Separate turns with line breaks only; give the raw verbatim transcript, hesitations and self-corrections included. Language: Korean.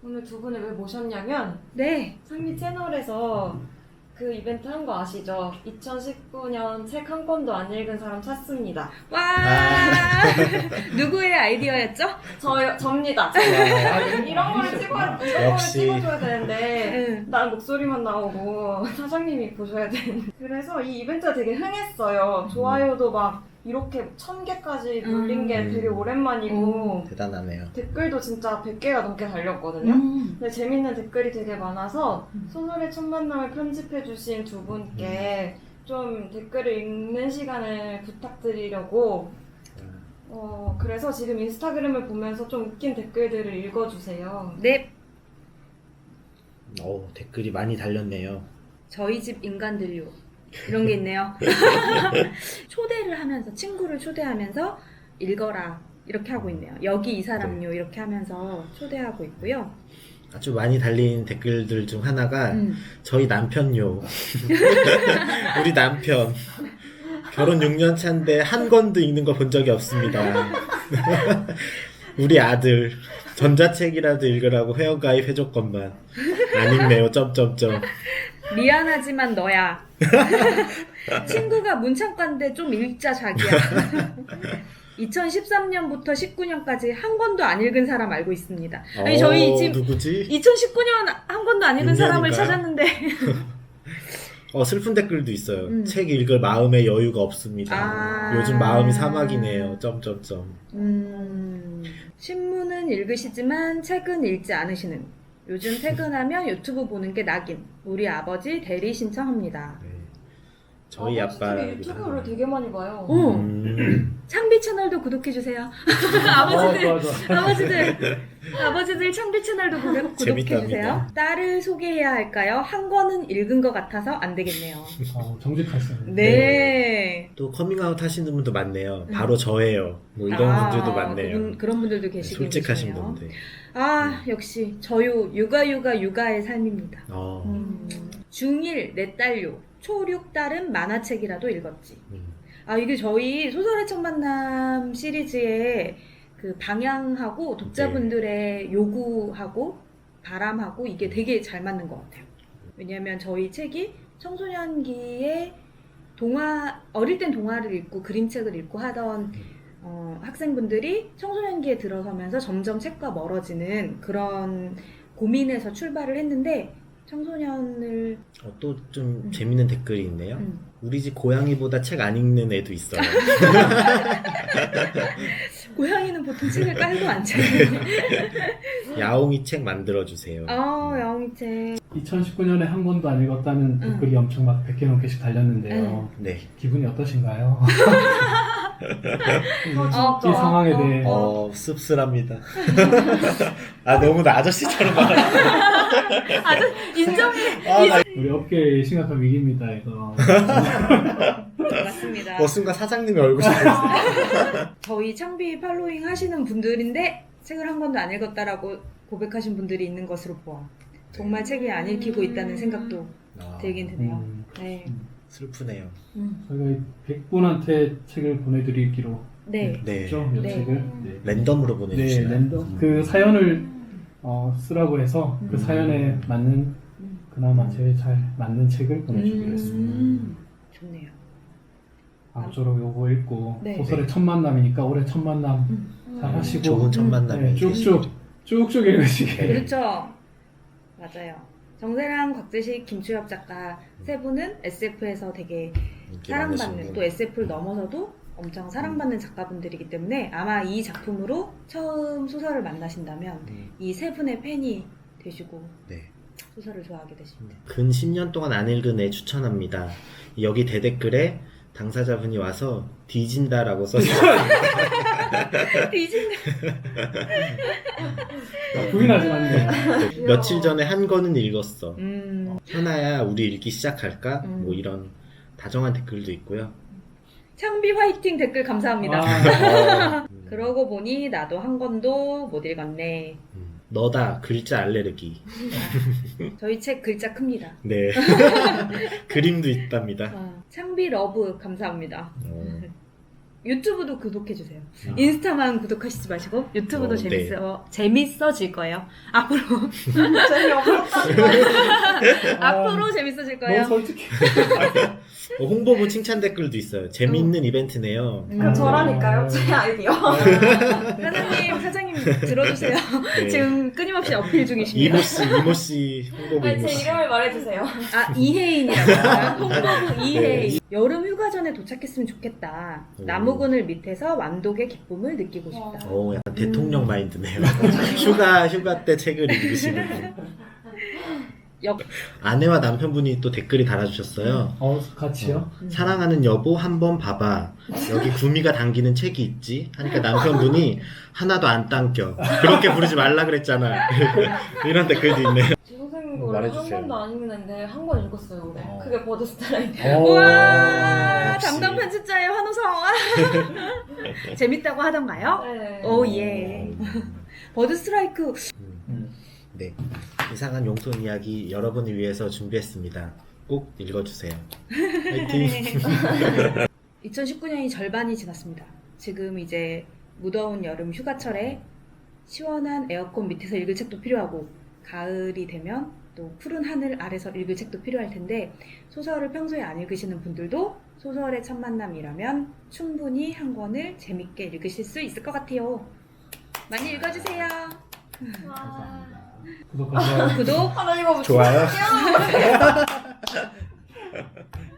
오늘 두 분을 왜 모셨냐면
네.
상미 채널에서 그 이벤트 한 거 아시죠? 이천십구 년 책 한 권도 안 읽은 사람 찾습니다.
와.
아.
누구의 아이디어였죠?
저, 접니다.
와.
이런 거를 찍어야, 이런 거를
역시.
찍어줘야 되는데
응.
난 목소리만 나오고 사장님이 보셔야 되는. 그래서 이 이벤트가 되게 흥했어요. 좋아요도 막 이렇게 천 개까지 돌린 게
음.
되게 오랜만이고
대단하네요.
댓글도 진짜 백 개가 넘게 달렸거든요.
음.
근데 재밌는 댓글이 되게 많아서
음.
소설의 첫 만남을 편집해주신 두 분께 좀 댓글을 읽는 시간을 부탁드리려고 어 그래서 지금 인스타그램을 보면서 좀 웃긴 댓글들을 읽어주세요.
네.
오, 댓글이 많이 달렸네요.
저희 집 인간들요. 이런 게 있네요. 초대를 하면서 친구를 초대하면서 읽어라 이렇게 하고 있네요. 여기 이 사람요 이렇게 하면서 초대하고 있고요.
아주 많이 달린 댓글들 중 하나가
음.
저희 남편요. 우리 남편. 결혼 육 년 차인데 한 권도 읽는 거 본 적이 없습니다. 우리 아들 전자책이라도 읽으라고 회원가입 해줬건만 안 읽네요. 점점점.
미안하지만 너야. 친구가 문창과인데 좀 읽자 자기야. 이천십삼 년부터 십구 년까지 한 권도 안 읽은 사람 알고 있습니다. 아니
어,
저희 지금
누구지?
이천십구 년 한 권도 안 읽은 사람을
육 년인가요?
찾았는데
어 슬픈 댓글도 있어요.
음.
책 읽을 마음의 여유가 없습니다.
아.
요즘 마음이 사막이네요. 점점점.
음, 신문은 읽으시지만 책은 읽지 않으시는 요즘 퇴근하면 유튜브 보는 게 낙인 우리 아버지 대리 신청합니다.
네. 저희
아버지
아빠
되게 유튜브를 되게 많이 봐요.
어.
음.
창비 채널도 구독해주세요.
어,
아버지들
좋아, 좋아.
아버지들 아버지들 창비 채널도 구독, 구독해주세요.
재밌답니다.
딸을 소개해야 할까요? 한 권은 읽은 것 같아서 안 되겠네요.
어, 정직하시네.
네.
또 커밍아웃 하시는 분도 많네요.
음.
바로 저예요. 뭐 이런
아,
분들도 많네요.
그분, 그런 분들도 계시긴
솔직하신
계시네요.
분들.
아 역시 저요 육아 육아 육아의 삶입니다.
어.
음, 중일 내 딸요 초육 딸은 만화책이라도 읽었지.
음.
아 이게 저희 소설의 첫 만남 시리즈의 그 방향하고 독자분들의 요구하고 바람하고 이게 되게 잘 맞는 것 같아요. 왜냐하면 저희 책이 청소년기에 동화 어릴 땐 동화를 읽고 그림책을 읽고 하던 어, 학생분들이 청소년기에 들어서면서 점점 책과 멀어지는 그런 고민에서 출발을 했는데 청소년을
어, 또 좀
음.
재밌는 댓글이 있네요.
음,
우리 집 고양이보다 책 안 읽는 애도 있어요.
고양이는 보통 책을 깔고 앉아요.
야옹이 책 만들어주세요.
아 야옹이책.
이천십구 년에 한 권도 안 읽었다는
응.
댓글이 엄청 막 백 개 넘게씩 달렸는데요.
네.
기분이 어떠신가요?
어,
이 상황에 대해
어, 씁쓸합니다. 아, 너무 나 아저씨처럼 말하네.
아주 인정해.
아, 나
우리 업계의 심각한 위기입니다, 이거.
맞습니다.
어, 순간 사장님의 얼굴이 보였어요.
저희 창비 팔로잉 하시는 분들인데 책을 한 권도 안 읽었다라고 고백하신 분들이 있는 것으로 보아 정말 책이 안 읽히고 있다는 생각도
아,
들긴 드네요.
음,
네.
슬프네요.
음.
저희가 백 분한테 책을 보내드리기로
네.
네.
했죠, 이
네.
책을. 네.
랜덤으로
네,
보내주시나요?
랜덤.
음.
그 사연을 어, 쓰라고 해서 그
음.
사연에 맞는
음.
그나마 제일 잘 맞는 책을 보내주기로 했습니다.
음. 좋네요.
앞으로 요거 읽고
네.
소설의 첫 만남이니까 올해 첫 만남
음.
잘 하시고
좋은 첫
음.
만남이
네, 쭉쭉 쭉쭉 읽으시게.
그렇죠. 맞아요. 정세랑, 곽재식, 김추엽 작가 세 분은 에스에프에서 되게
인기
사랑받는
많으신
또
분.
에스에프를 넘어서도 엄청 사랑받는 작가분들이기 때문에 아마 이 작품으로 처음 소설을 만나신다면
음,
이 세 분의 팬이 되시고
네.
소설을 좋아하게 되십니다.
근 십 년 동안 안 읽은 애 추천합니다. 여기 대댓글에 당사자분이 와서 뒤진다라고 써주셨어요.
뒤진다.
부인하지 않네요.
네, 며칠 전에 한 권은 읽었어.
음,
현아야 우리 읽기 시작할까?
음.
뭐 이런 다정한 댓글도 있고요.
창비 화이팅 댓글 감사합니다.
아,
어, 음,
그러고 보니 나도 한 권도 못 읽었네.
음, 너다 글자 알레르기.
저희 책 글자 큽니다.
네. 그림도 있답니다.
어, 창비 러브 감사합니다.
어,
유튜브도 구독해주세요.
아.
인스타만 구독하시지 마시고 유튜브도
어,
재밌어 재밌어질 거예요. 앞으로
재미없었다는 거예요.
앞으로 재밌어질 거예요.
너무 솔직해.
어, 홍보부 칭찬 댓글도 있어요. 재미있는 이벤트네요.
음.
그럼 저라니까요. 제 아이디어.
사장님 사장님 들어주세요.
네.
지금 끊임없이 어필 중이십니다.
이모씨, 이모씨, 홍보부
아니, 제
이모씨.
이름을 말해주세요.
아 이혜인이라고 홍보부 이혜인. 여름 휴가 전에 도착했으면 좋겠다.
오.
나무그늘 밑에서 완독의 기쁨을 느끼고 싶다.
오, 약간 대통령 마인드네요. 휴가, 휴가 때 책을 읽으시는 분.
역
아내와 남편분이 또 댓글이 달아주셨어요.
어, 같이요?
사랑하는 여보 한번 봐봐. 여기 구미가 당기는 책이 있지? 하니까 남편분이 하나도 안 당겨. 그렇게 부르지 말라 그랬잖아. 이런 댓글도 있네요.
제 선생님도 원래 한
말해주세요.
권도 안 읽는데 한 권 읽었어요 올해.
어.
그게 버드 스타라이트.
우와
역시.
담당 편집자의 환호성. 재밌다고 하던가요?
네.
오 예. 버드 스트라이크
음.
네. 이상한 용돈 이야기 여러분을 위해서 준비했습니다. 꼭 읽어주세요. 화이팅!
이천십구 년이 절반이 지났습니다. 지금 이제 무더운 여름 휴가철에 시원한 에어컨 밑에서 읽을 책도 필요하고 가을이 되면 또 푸른 하늘 아래서 읽을 책도 필요할 텐데 소설을 평소에 안 읽으시는 분들도 소설의 첫 만남이라면 충분히 한 권을 재밌게 읽으실 수 있을 것 같아요. 많이 읽어주세요.
와.
구독하세요.
구독
아, 나 이거
좋아요.
진짜